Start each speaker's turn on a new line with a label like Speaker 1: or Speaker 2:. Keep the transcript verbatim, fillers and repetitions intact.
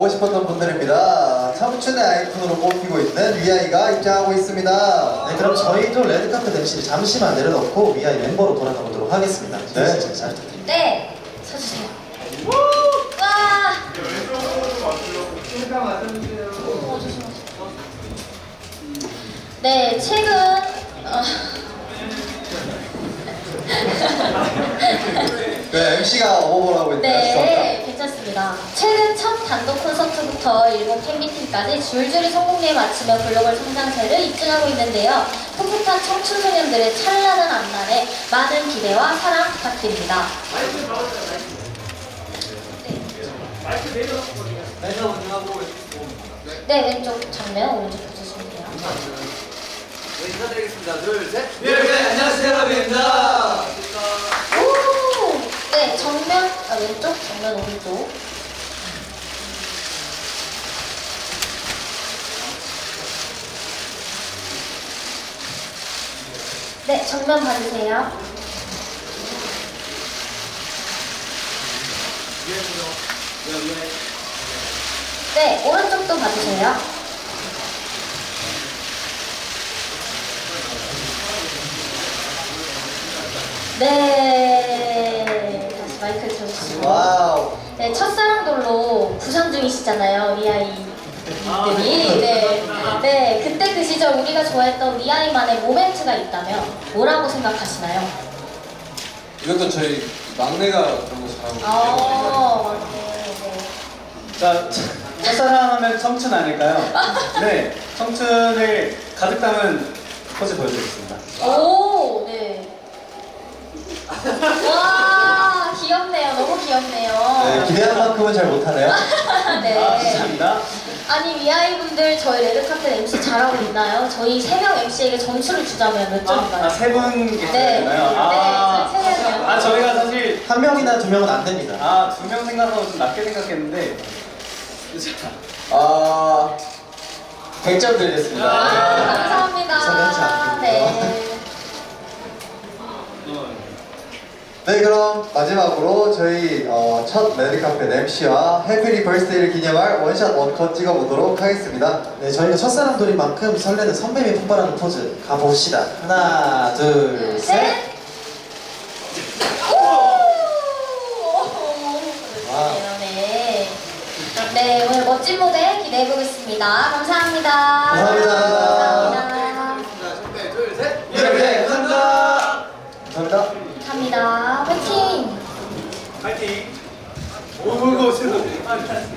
Speaker 1: 보고 싶었던 분들입니다. 청춘의 아이콘으로 꼽히고 있는 위아이가 입장하고 있습니다.
Speaker 2: 네, 그럼 저희도 레드카펫 엠씨를 잠시만 내려놓고 위아이 멤버로 돌아가 보도록 하겠습니다.
Speaker 1: 네.
Speaker 2: 네, 잘 부탁드립니다.
Speaker 3: 네, 서주세요. 와! 어, 조심하세요. 네, 최근 어,
Speaker 1: 네, 엠씨가 어버버를 하고 있네요.
Speaker 3: 네, 괜찮습니다. 최근 첫 단독 콘서트부터 일본 팬미팅까지 줄줄이 성공리에 맞추며 글로벌 성장세를 입증하고 있는데요. 풋풋한 청춘 소년들의 찬란한 앞날에 많은 기대와 사랑 부탁드립니다. 네, 왼쪽 정면, 오른쪽 보시면 돼요.
Speaker 4: 네, 인사드리겠습니다. 둘, 셋.
Speaker 5: 네, 안녕하세요, 여러분입니다.
Speaker 3: 오! 네, 정면, 아, 왼쪽, 정면, 오른쪽. 네, 정면 봐주세요. 네, 오른쪽도 봐주세요. 네, 다시 마이크를 들어주시고.
Speaker 1: 와우.
Speaker 3: 네, 첫사랑돌로 부상 중이시잖아요, 위아이들이. 네, 네, 그때 그 시절 우리가 좋아했던 위아이만의 모멘트가 있다면 뭐라고 생각하시나요?
Speaker 5: 이것도 저희 막내가 그런 거 잘하고
Speaker 3: 어, 맞네, 네.
Speaker 6: 자, 첫사랑하면 청춘 아닐까요? 네, 청춘을 가득 담은 포즈 보여드리겠습니다.
Speaker 3: 오, 네. 와, 귀엽네요. 너무 귀엽네요.
Speaker 1: 네, 기대한 만큼은 잘 못하네요.
Speaker 3: 네.
Speaker 6: 아, 감사합니다.
Speaker 3: 아니, 위아이 분들 저희 레드카펫 엠씨 잘하고 있나요? 저희 세 명 엠씨에게 점수를 주자면 몇 점인가요?
Speaker 6: 아, 세분 계셔야
Speaker 3: 네.
Speaker 6: 되나요?
Speaker 3: 네,
Speaker 6: 아,
Speaker 3: 저희 세 명이요.
Speaker 6: 아, 저희가 사실
Speaker 2: 한 명이나 두 명은 안 됩니다.
Speaker 6: 아, 두 명 생각하고 좀 낮게 생각했는데
Speaker 1: 아, 백 점 드리겠습니다.
Speaker 3: 아, 감사합니다.
Speaker 2: 서면치 않군요.
Speaker 3: 네.
Speaker 1: 네, 그럼 마지막으로 저희 어, 첫 레드카펫 엠씨와 해피리 벌스데이를 기념할 원샷 원컷 찍어보도록 하겠습니다.
Speaker 2: 네, 저희가 첫사랑돌인 만큼 설레는 선배미 폭발하는 포즈 가봅시다. 하나, 둘,
Speaker 3: 둘,
Speaker 2: 셋.
Speaker 3: 셋. 오!
Speaker 2: 와우.
Speaker 3: 네. 네, 오늘 멋진 무대 기대해 보겠습니다. 감사합니다.
Speaker 1: 감사합니다.
Speaker 3: 감사합니다.
Speaker 4: 네, 둘, 셋.
Speaker 1: 네,
Speaker 2: 감사합니다.
Speaker 1: 감사합니다.
Speaker 3: 감사합니다. 화이팅!
Speaker 6: 파이팅! 오, 이거 세상.